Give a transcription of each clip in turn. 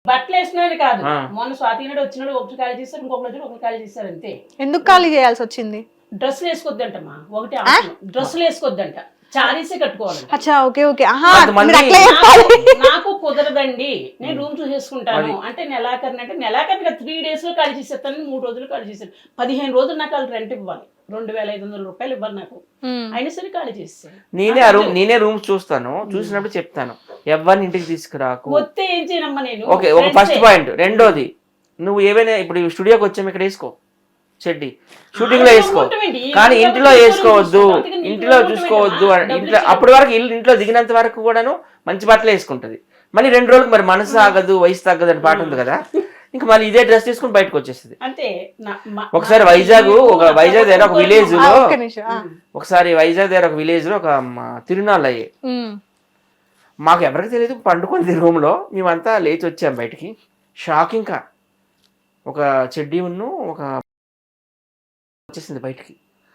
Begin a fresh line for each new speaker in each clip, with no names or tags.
బట్టలు వేసినది కాదు, మొన్న స్వాతి నాడు వచ్చినాడు ఒకటి ఖాళీ చేస్తారు, ఇంకొకటి వచ్చి ఒకటి ఖాళీ చేస్తారు అంతే.
ఎందుకు ఖాళీ చేయాల్సి వచ్చింది?
డ్రెస్సులు వేసుకోవద్దంటమ్మా, ఒకటి డ్రెస్సులు వేసుకోవద్దంట, చారీసే కట్టుకోవాలంట.
అచ్చా, ఓకే ఓకే.
నాకు కుదరదండి, నేను రూమ్ చూసేసుకుంటాను అంటే నెలాఖరిని, అంటే నెలాఖరిగా 3 days లో ఖాళీ చేసేస్తాను, 3 రోజులు ఖాళీ చేశాను, 15 రోజులు నాకు వాళ్ళు రెంట్ ఇవ్వాలి, 2500 రూపాయలు ఇవ్వాలి నాకు, అయినా సరే ఖాళీ చేస్తాను.
నేనే రూమ్ చూస్తాను, చూసినప్పుడు చెప్తాను ఎవరిని ఇంటికి తీసుకురాకు.
వస్తే ఏం చేయనమ్మా నేను.
ఓకే, ఒక ఫస్ట్ పాయింట్. రెండోది, నువ్వు ఏవైనా ఇప్పుడు స్టూడియోకి వచ్చాము ఇక్కడ వేసుకో చెడ్డి, షూటింగ్ లో వేసుకో, కానీ ఇంట్లో వేసుకోవద్దు, ఇంట్లో చూసుకోవద్దు. ఇంట్లో అప్పటి వరకు ఇంట్లో దిగినంత వరకు కూడాను మంచి బట్టలు వేసుకుంటది. మళ్ళీ 2 రోజులకు మరి మనసు ఆగదు, వయసు తగ్గదు అని పాట ఉంది కదా, ఇంకా మళ్ళీ ఇదే డ్రెస్ తీసుకుని బయటకు వచ్చేస్తుంది. ఒకసారి వైజాగ్ దగ్గర ఒక విలేజ్ లో, ఒక తిరునాళ్ళు అయ్యాయి. మాకు ఎవరికి తెలియదు, పండుకుంది రూమ్ లో, మేమంతా లేచి వచ్చాం బయటికి. షాక్, ఇంకా ఒక చెడ్డీ ఉన్ను ఒక వచ్చేసింది బయటికి.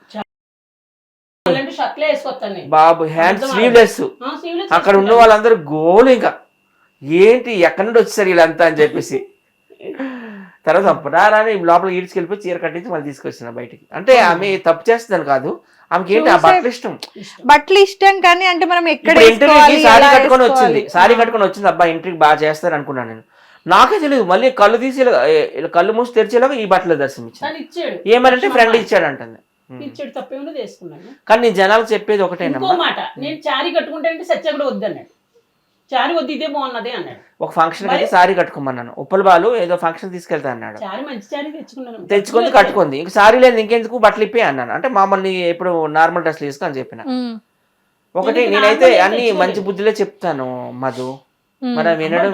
బాబు హ్యాండ్ స్లీవ్లెస్. అక్కడ ఉన్న వాళ్ళందరూ గోలు, ఇంకా ఏంటి ఎక్కడి నుండి వచ్చేసారు వీళ్ళంతా అని చెప్పేసి. తర్వాత రాని లోపల ఈడ్చుకెళ్ళిపోయి చీర కట్టించి మళ్ళీ తీసుకొచ్చిన బయటికి. అంటే ఆమె తప్పు చేస్తుందని కాదు, ఆమెకి ఏంటి ఆ బట్టలు ఇష్టం
కానీ అంటే మనం
ఇంటర్వ్యూకి సారీ కట్టుకొని వచ్చింది. అబ్బా ఇంటర్వ్యూకి బాగా చేస్తారు అనుకున్నాను నేను. నాకే తెలియదు, మళ్ళీ కళ్ళు తీసి కళ్ళు మూసి తెరిచేలాగా ఈ బట్టలు దర్శనం ఇచ్చాడు. ఏమనంటే ఫ్రెండ్ ఇచ్చాడు అంటుంది. కానీ నేను జనాలకు చెప్పేది ఒకటేనమ్మా,
నేను చారీ కట్టుకుంటే సత్య కూడా వద్దన్నాడు, చారీ వద్దు ఇదే బాగున్నదే అన్నాడు.
ఒక ఫంక్షన్ అయితే సారీ కట్టుకోమన్నాను, ఉప్పల బాలు ఏదో ఫంక్షన్ తీసుకెళ్తా అన్నాడు, తెచ్చుకుంది కట్టుకుంది. ఇంక సారీ లేదు ఇంకెందుకు బట్టలు ఇప్పే అన్నాను. అంటే మామూలు ఎప్పుడు నార్మల్ డ్రెస్లు వేసుకో అని చెప్పిన. ఒకటి నేనైతే అన్ని మంచి బుద్ధిలో చెప్తాను మధు, మరి వినడం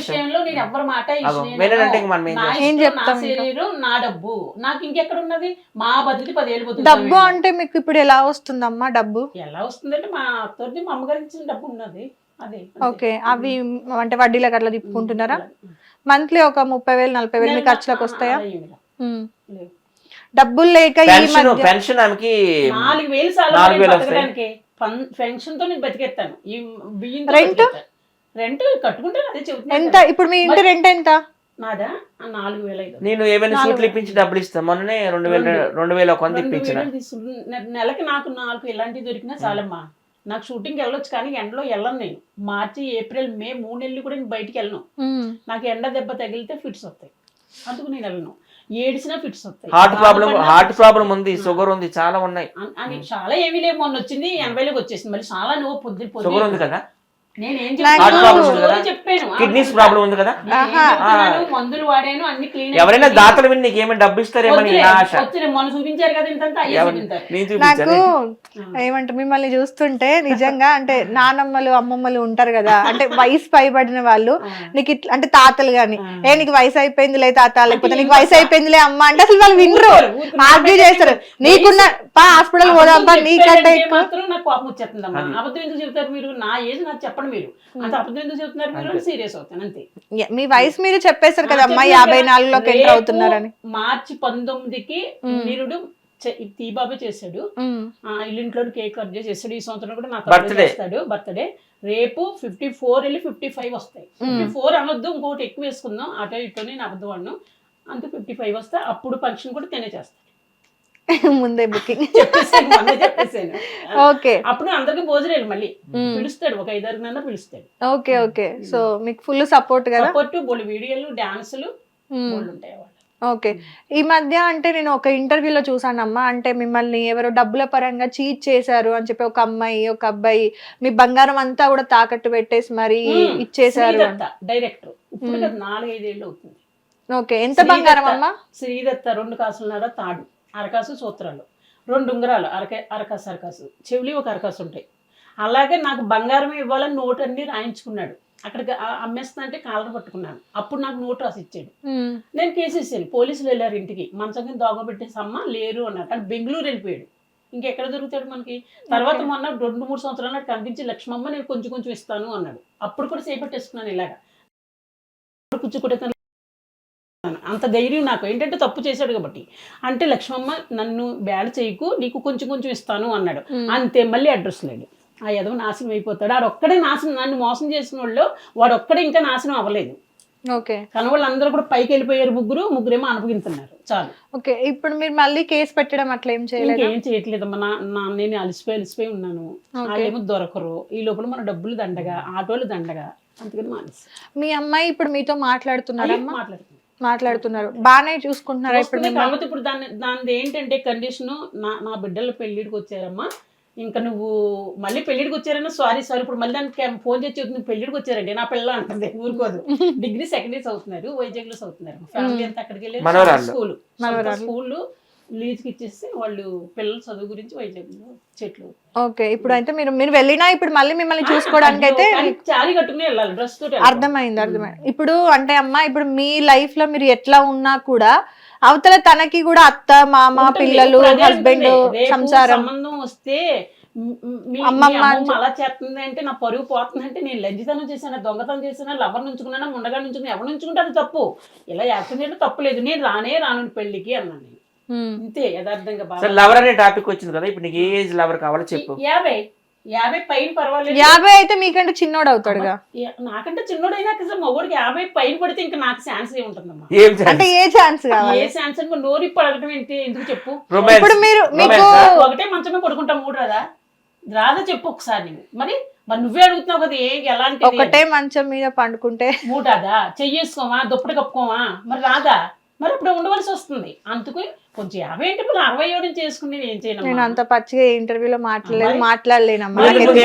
నా డబ్బు నాకు ఇంకెక్కడ ఉన్నది, మా బతికి 10 ఏళ్ళు
డబ్బు అంటే మీకు ఇప్పుడు ఎలా వస్తుందమ్మా? డబ్బు
ఎలా వస్తుందంటే మా అత్తోటి మా అమ్మగారికి ఇచ్చిన డబ్బు ఉన్నది అదే.
ఓకే, అవి అంటే వడ్డీలకు అట్లా తిప్పుకుంటున్నారా? మంత్లీ ఒక 30,000-40,000 మీ ఖర్చులకు వస్తాయా? డబ్బులు లేక
పెన్షన్ ఆమెకి
4,000 పెన్షన్ తో నేను బతికేస్తాను. ఈ బియ్యం రెంట్ కట్టుకుంటాను, అదే చెబుతాను.
ఎంత ఇప్పుడు మీ ఇంటి రెంట్ ఎంత?
నాదా 4,500.
నేను ఏమైనా సూట్లు ఇప్పించి డబ్బులు ఇస్తాను. మొన్ననే 2,000 కొంత ఇప్పించిన.
నెలకి నాకు 4 ఇలాంటివి దొరికినా చాలమ్మా. నాకు షూటింగ్కి వెళ్ళొచ్చు, కానీ ఎండలో వెళ్ళను నేను. మార్చి, ఏప్రిల్, మే 3 నెలలు కూడా నేను బయటికి వెళ్ళను. నాకు ఎండ దెబ్బ తగిలితే ఫిట్స్ వస్తాయి, అందుకు నేను వెళ్ళను. ఏడిసినా ఫిట్స్ వస్తాయి.
హార్ట్ ప్రాబ్లం ఉంది, షుగర్ ఉంది, చాలా ఉన్నాయి.
అని చాలా ఏమీ లేవు. మొన్న వచ్చింది 80లోకి వచ్చేసింది, మళ్ళీ చాలా నువ్వు పొద్దు
షుగర్ ఉంది కదా,
కిడ్నీస్
ప్రాబ్లం ఉంది కదా,
మందులు వాడాను, అన్ని క్లీన్.
ఎవరైనా దాతలు విని నీకేమైనా డబ్బు ఇస్తారేమని
మొన్న చూపించారు కదా ఇంత.
నాకు ఏమంటే మిమ్మల్ని చూస్తుంటే నిజంగా అంటే నానమ్మలు అమ్మమ్మలు ఉంటారు కదా, అంటే వయసు పైబడిన వాళ్ళు, నీకు ఇట్లా అంటే తాతలు గాని, నీకు వయసు అయిపోయిందిలే తాత, లేకపోతే నీకు వయసు అయిపోయిందిలే అమ్మ అంటే అసలు వాళ్ళు వినరు, ఆర్గ్యూ చేస్తారు. నీకున్న హాస్పిటల్ పోదాం నీకంటే
నాకు కోపం వచ్చేస్తుందమ్మా. అబద్ధం ఎందుకు చెప్తారు మీరు? నా ఏజ్ నాకు చెప్పండి, మీరు అంత అబద్ధం ఎందుకు చెప్తున్నారు? మీరు సీరియస్ అవుతాను అంతే.
మీ వయసు మీరు చెప్పేశారు కదా అమ్మా, 54లోకి ఎంటర్ అవుతున్నారని.
మార్చి 19కి వీరుడు తీబాబే చేశాడు, ఇల్లింట్లో కేక్ కట్ చేసాడు. ఈ సంవత్సరం కూడా నాకు చేస్తాడు బర్త్డే. రేపు 54 వెళ్ళి 55 వస్తాయి. 54 అనొద్దు, ఇంకోటి ఎక్కువ వేసుకుందాం, అటో ఇటో నేను అబద్ధం అన్ను. అంత 55 వస్తే అప్పుడు ఫంక్షన్ కూడా తినే చేస్తాను.
ముందే బుకింగ్
చెప్పేసాను.
ఓకే,
అప్పుడు అందరికి భోజనాలు మళ్ళీ పిలుస్తాడు, ఒక 5-6 పిలుస్తాడు.
ఓకే ఓకే, సో మీకు ఫుల్ సపోర్ట్ కదా?
సపోర్ట్, బోల్డ్ వీడియోలు, డాన్సులు ఉంటాయి.
ఓకే, ఈ మధ్య అంటే నేను ఒక ఇంటర్వ్యూలో చూసానమ్మా, అంటే మిమ్మల్ని ఎవరో డబ్బుల పరంగా చీట్ చేశారు అని చెప్పి ఒక అమ్మాయి ఒక అబ్బాయి మీ బంగారం అంతా కూడా తాకట్టు పెట్టేసి మరి ఇచ్చేసారు.
డైరెక్టర్ ఇప్పుడు 4-5 ఏళ్ళు అవుతుంది.
ఓకే, ఎంత బంగారం అమ్మా?
శ్రీదత్త 2 కాసులున్నర తాడు, అరకాసు సూత్రాలు, 2 ఉంగరాలు, అరకాసు చెవులి, ఒక అరకాసు ఉంటాయి. అలాగే నాకు బంగారం ఇవ్వాలని నోటు అన్ని రాయించుకున్నాడు. అక్కడికి అమ్మేస్తా అంటే కాలర్ పట్టుకున్నాను. అప్పుడు నాకు నోటు రాసి ఇచ్చాడు. నేను కేసు ఇచ్చాను. పోలీసులు వెళ్ళారు ఇంటికి, మంచం కింద దోగబెట్టేసి అమ్మ లేరు అన్నారు. కానీ బెంగళూరు వెళ్ళిపోయాడు, ఇంకెక్కడ దొరుకుతాడు మనకి. తర్వాత మొన్న 2-3 సంవత్సరాలు నాకు కనిపించి లక్ష్మమ్మ నేను కొంచెం ఇస్తాను అన్నాడు. అప్పుడు కూడా చేపట్టేసుకున్నాను ఇలాగా కూర్చుకుంటే. అంత ధైర్యం నాకు, ఏంటంటే తప్పు చేశాడు కాబట్టి. అంటే లక్ష్మమ్మ నన్ను బ్యాడ్ చేయకు, నీకు కొంచెం ఇస్తాను అన్నాడు. అంతే, మళ్ళీ అడ్రస్ లేడు. ఆ ఎదవ నాశనం అయిపోతాడు. ఆడొక్కడే నాశనం, నన్ను మోసం చేసిన వాళ్ళు వాడొక్కడే ఇంకా నాశనం అవ్వలేదు.
ఓకే
కానీ వాళ్ళందరూ కూడా పైకి వెళ్ళిపోయారు, ముగ్గురేమో అనుభవిస్తున్నారు చాలు.
ఓకే ఇప్పుడు మీరు మళ్ళీ కేసు పెట్టడం అట్లా ఏం చేయలేదు?
ఇంకేం చేయట్లేదమ్మా. నేను అలసిపోయి ఉన్నాను, వాళ్ళేమో దొరకరు, ఈ లోపల మన డబ్బులు దండగా, ఆటోలు దండగా, అందుకని మానేసి.
మీ అమ్మాయి ఇప్పుడు మీతో మాట్లాడుతున్నారమ్మా? మాట్లాడుతున్నారు, బాగానే చూసుకుంటున్నారా ఇప్పుడు?
కాకపోతే ఇప్పుడు దాని ఏంటంటే కండిషన్, నా బిడ్డల పెళ్లిడికి వచ్చారమ్మా, ఇంకా నువ్వు మళ్ళీ పెళ్లిడికి వచ్చారన్నా సారీ ఇప్పుడు మళ్ళీ దానికి ఫోన్ చేసి చెప్తుంది పెళ్లిడికి వచ్చారండి నా పిల్ల అంటుంది, ఊరుకోదు. డిగ్రీ సెకండ్ ఇయర్స్ అవుతున్నారు, వైజాగ్ లో చదువుతున్నారు, ఫ్యామిలీ అంతా అక్కడికి వెళ్ళి స్కూల్ లీజ్కి ఇచ్చేసి వాళ్ళు పిల్లల చదువు గురించి వైజాగ్ లో చెట్లు.
ఓకే ఇప్పుడు అయితే మీరు వెళ్ళినా ఇప్పుడు మళ్ళీ మిమ్మల్ని చూసుకోవడానికి అయితే
చారీ కట్టుకుని వెళ్ళాలి, డ్రెస్ తోటి.
అర్థమైంది. ఇప్పుడు అంటే అమ్మా ఇప్పుడు మీ లైఫ్ లో మీరు ఎట్లా ఉన్నా కూడా అవతల తనకి కూడా అత్త మామ పిల్లలు హస్బెండ్ సంసారం
సంబంధం వస్తే అమ్మమ్మ అలా చేస్తుంది అంటే నా పరుగు పోతుంది అంటే నేను లంజితనం చేశాను, దొంగతనం చేశాను, లవర్ నుంచుకున్నా, ముండగా నుంచుకున్నా, ఎవరు నుంచుకుంటే అది తప్పు. ఇలా యాక్సిడెంట్ తప్పు లేదు, నేను రాను పెళ్లికి అన్నాను నేను. ఇంతే యథార్థంగా.
లవర్ అనే టాపిక్ వచ్చింది కదా, ఇప్పుడు నీకు ఏ ఏజ్ లవర్ కావాలో చెప్పు.
50 పైన పర్వాలేదు.
50 అయితే మీకంటే చిన్నోడు అవుతాడుగా.
నాకంటే చిన్నోడైనా కదా మగోడికి 50 పైన పడితే ఇంకా నాకు ఛాన్స్ ఏముంటుందమ్మా?
అంటే ఏ ఛాన్స్ కావాలి?
ఏ ఛాన్స్ అంటే నోరు పడగటం ఏంటి, ఎందుకు చెప్పు?
ఇప్పుడు మీరు
ఒకటే మంచమే పడుకుంటా, 3 రాదా చెప్పు ఒకసారి. మరి నువ్వే అడుగుతున్నావు కదా, ఎలాంటి
ఒకటే మంచం మీద పండుకుంటే
3 చెయ్యేసుకోమా, దుప్పటి కప్పుకోమా, మరి రాదా? మరి ఇప్పుడు ఉండవలసి వస్తుంది. అందుకు కొంచెం 50 ఏంటి, 67 చేసుకుని నేను ఏం చేయను.
నేను అంత పచ్చిగా ఇంటర్వ్యూలో మాట్లాడలేనమ్మా.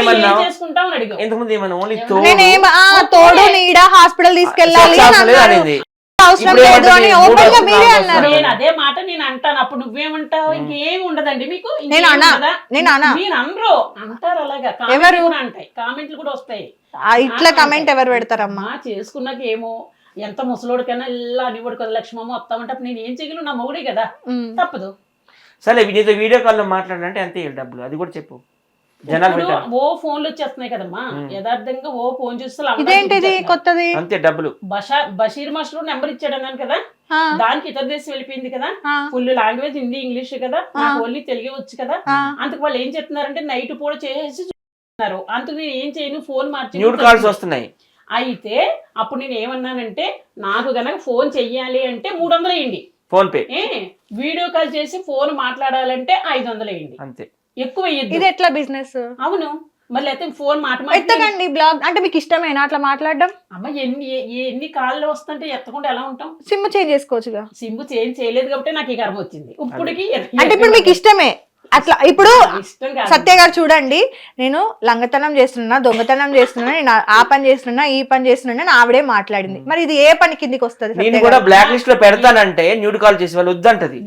తోడు నీడ హాస్పిటల్ తీసుకెళ్ళాలి అవసరం లేదు అని ఓపెన్ గా మీరే అన్నారు.
నేను అదే మాట నేను అంటాను, అప్పుడు నువ్వేమంటావు? ఇంకేం ఉండదండి మీకు.
నేను
అనరు అంటారు అలాగా, ఎవరు అంటాయి, కామెంట్లు కూడా వస్తాయి.
ఇట్లా కామెంట్ ఎవరు పెడతారమ్మా?
చేసుకున్నాక ఏమో ఎంత ముసలోడికైనా ఇలా అనివాడు కదా, లక్ష్మమ్మ వస్తామంటే అప్పుడు నేను ఏం చేయగలను, నా మొగుడే కదా, తప్పదు.
సరే నీతో వీడియో కాల్ లో మాట్లాడాలంటే అంతే డబ్బులు, అది కూడా చెప్పు.
ఓ ఫోన్లు వచ్చేస్తున్నాయి కదమ్మా, యథార్థంగా ఓ ఫోన్
చూస్తే కొత్తది
అంతే డబ్బులు.
బషీర్ మాస్టర్ నెంబర్ ఇచ్చాడు అన్నాను కదా, దానికి ఇతర దేశం వెళ్ళిపోయింది కదా, ఫుల్ లాంగ్వేజ్ హిందీ ఇంగ్లీష్ కదా, ఓన్లీ తెలుగే వచ్చు కదా. అందుకు వాళ్ళు ఏం చెప్తున్నారంటే నైట్ పూట చేసి చూస్తున్నారు. అందుకు నేను ఏం చేయను, ఫోన్ మార్చి
వస్తున్నాయి.
అయితే అప్పుడు నేను ఏమన్నానంటే, నాకు గనక ఫోన్ చెయ్యాలి అంటే 300 వేయండి
ఫోన్ పే,
వీడియో కాల్ చేసి ఫోన్ మాట్లాడాలంటే 500 వేయండి, అంతే, ఎక్కువ వేయద్దు.
ఇది ఎట్లా బిజినెస్?
అవును, మళ్ళీ అయితే ఫోన్
ఎత్తకండి బ్లాగ్ అంటే మీకు ఇష్టమేనా అట్లా మాట్లాడడం?
అమ్మ ఎన్ని కాళ్ళు వస్తుంటే ఎత్తకుండా ఎలా ఉంటాం?
సిమ్ చేంజ్ చేసుకోవచ్చుగా.
సిమ్ చేంజ్ చేయలేదు కాబట్టి నాకు ఈ కర్మ వచ్చింది. ఇప్పటికి
అంటే ఇప్పుడు మీకు ఇష్టమే అట్లా. ఇప్పుడు సత్య గారు చూడండి, నేను లంగతనం చేస్తున్నా, దొంగతనం చేస్తున్నా, నేను ఆ పని చేస్తున్నా, ఈ పని చేస్తున్నా, ఆవిడే మాట్లాడింది. మరి ఇది ఏ పని కిందికి వస్తుంది?
నేను కూడా బ్లాక్ లిస్ట్ లో పెడతానంటే న్యూడ్ కాల్ చేసి వాళ్ళు వద్దంటది,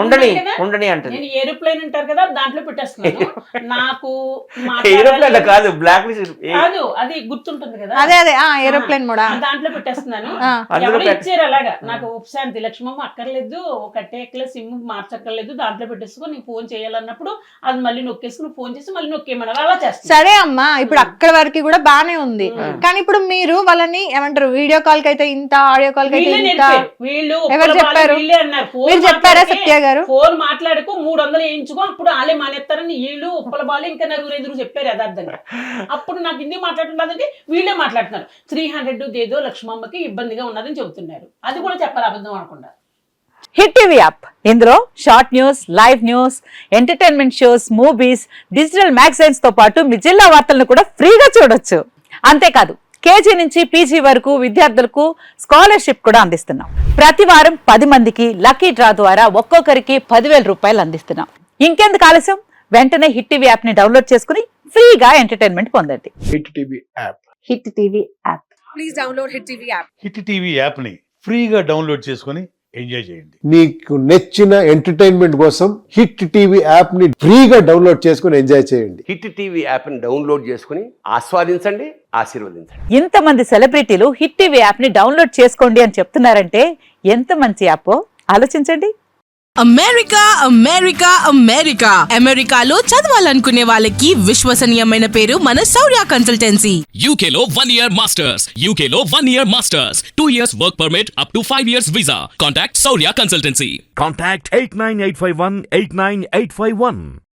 ఉండని అంటది.
నేను ఏరోప్లేన్ అంటారు కదా, దాంట్లో పెట్టేస్తున్నాను. నాకు
ఏరోప్లేన్ కాదు, బ్లాక్ లిస్ట్
కాదు, అది గుర్తుంటుంది కదా,
అదే ఏరోప్లేన్ కూడా
దాంట్లో పెట్టేస్తున్నాను. ఇచ్చారు అలాగా, నాకు ఉపశాంతి లక్ష్మమ్మ అక్కర్లేదు, కట్టేక్కలే, సిమ్ మార్చక్కర్లేదు, దాంట్లో పెట్టేసుకొని నేను ఫోన్ చేయాలన్నప్పుడు అది మళ్ళీ నొక్కేసుకుని ఫోన్ చేసి మళ్ళీ నొక్కేమన్నారు, అలా చేస్తాను.
సరే అమ్మా, ఇప్పుడు అక్కడ వరకు కూడా బానే ఉంది. కానీ ఇప్పుడు మీరు వాళ్ళని ఏమంటారు, వీడియో కాల్ కి అయితే ఇంత, ఆడియో కాల్ కి అయితే ఇంత, ఎవరు చెప్పారు? మీరు చెప్పారా సత్య గారు?
ఫోన్ మాట్లాడుకో 300 వేయించుకో, అప్పుడు వాళ్ళే మానేస్తారని వీళ్ళు ఉప్పల బాలు ఇంకా 4-5 చెప్పారు యథార్థంగా. అప్పుడు నాకు హిందీ మాట్లాడుతున్నదంటే వీళ్ళే మాట్లాడుతున్నారు. 300 ఏదో లక్ష్మమ్మకి ఇబ్బందిగా ఉన్నదని చెబుతున్నారు, అది కూడా చెప్పాలి అబద్ధం అనకుండా.
హిట్ టీవీ యాప్, ఇందులో short news, live news, entertainment shows, movies, digital magazines తో పాటు మీ జిల్లా వార్తలను కూడా ఫ్రీగా చూడొచ్చు. అంతేకాదు కేజీ నుంచి పీజీ వరకు విద్యార్థులకు స్కాలర్షిప్ కూడా అందిస్తున్నాం. ప్రతి వారం 10 మందికి లక్కీ డ్రా ద్వారా ఒక్కొక్కరికి 10,000 రూపాయలు అందిస్తున్నాం. ఇంకెందుకు ఆలస్యం, వెంటనే హిట్ టీవీ యాప్ ని డౌన్లోడ్ చేసుకుని ఫ్రీగా ఎంటర్టైన్మెంట్ పొందండి.
Hit TV app,
hit TV app,
please download hit TV app.
Hit TV app ని ఫ్రీగా డౌన్లోడ్ చేసుకుని ఎంజాయ్ చేయండి.
మీకు నచ్చిన ఎంటర్టైన్మెంట్ కోసం హిట్ టీవీ యాప్ ని ఫ్రీగా డౌన్లోడ్ చేసుకుని ఎంజాయ్ చేయండి.
హిట్ టీవీ యాప్ ని డౌన్లోడ్ చేసుకుని ఆస్వాదించండి, ఆశీర్వదించండి.
ఇంతమంది సెలబ్రిటీలు హిట్ టీవీ యాప్ ని డౌన్లోడ్ చేసుకోండి అని చెప్తున్నారంటే ఎంత మంచి యాప్ ఆలోచించండి.
అమెరికా అమెరికా అమెరికా అమెరికాలో చదవాలనుకునే వాళ్ళకి విశ్వసనీయమైన పేరు మన శౌర్య కన్సల్టెన్సీ.
UK లో 1 year masters, UK లో 1 year masters, 2 years work permit up to 5 years visa. Contact Saurya Consultancy.
Contact 89851 89851.